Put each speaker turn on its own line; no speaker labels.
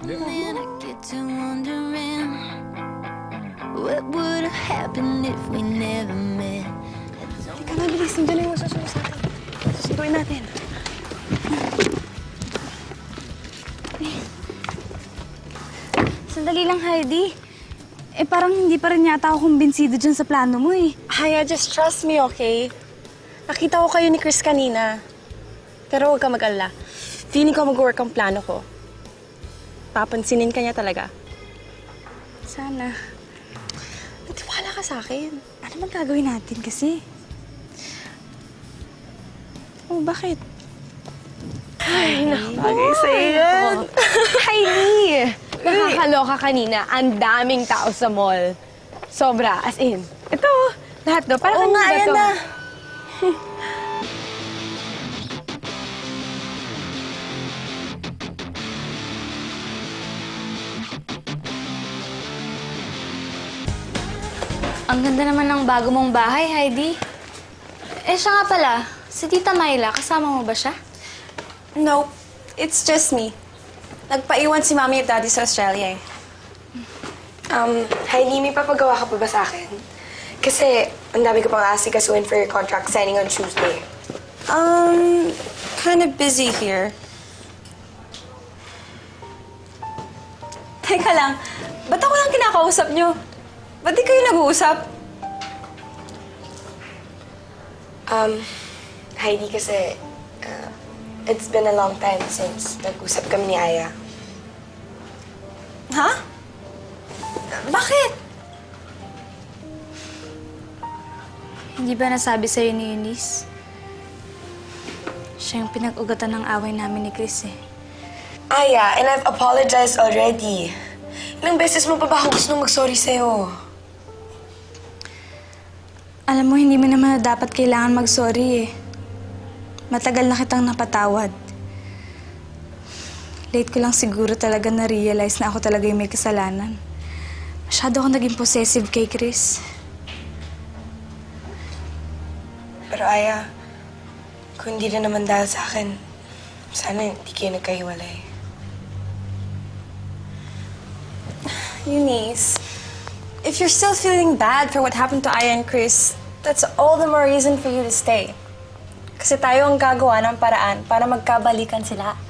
And I get to wondering what would have happened if we never met.
Teka na, bilis. Nandiyan na yung masusunod sa atin. Susunduin natin.
Sandali lang, Heidi. Eh, parang hindi pa rin yata ako kumbinsido dyan sa plano mo eh.
Haya, just trust me, okay? Nakita ko kayo ni Chris kanina. Pero huwag ka mag-alala. Feeling ko mag-work ang plano ko. Papansinin ka niya talaga.
Sana.
Nagtiwala ka sa akin.
Ano bang gagawin natin kasi?
Oh, bakit? Ay, nakabagay sa'yo yan.
Heidi! Nakakaloka kanina. Ang daming tao sa mall. Sobra. As in. Ito, lahat do. Para
Oo nga,
kanina
ayan
to.
na.
Ang ganda naman ng bago mong bahay, Heidi. Eh, siya nga pala. Si Tita Myla, kasama mo ba siya?
No, it's just me. Nagpaiwan si Mami at Daddy sa Australia eh.
Heidi, may papagawa ka pa ba sa akin? Kasi ang dami ko pang asikasuhin for your contract signing on Tuesday.
Kind of busy here. Teka lang, ba't ako lang kinakausap niyo? Ba't di kayo nag-uusap?
Heidi, kasi it's been a long time since nag-usap kami ni Aya.
Ha? Bakit?
Hindi ba nasabi sa'yo ni Eunice? Siya yung pinag-ugatan ng away namin ni Chris eh.
Aya, and I've apologized already. Ilang beses mo pa ba ako gusto mag-sorry sa'yo?
Alam mo, hindi mo naman dapat kailangan mag-sorry eh. Matagal na kitang napatawad. Late ko lang siguro talaga na-realize na ako talaga yung may kasalanan. Masyado ako naging possessive kay Chris.
Pero Aya, kung hindi na naman dahil sa akin, sana hindi kayo nagkahiwalay.
Eunice, if you're still feeling bad for what happened to Aya and Chris, that's all the more reason for you to stay. Kasi tayo ang gagawa ng paraan para magkabalikan sila.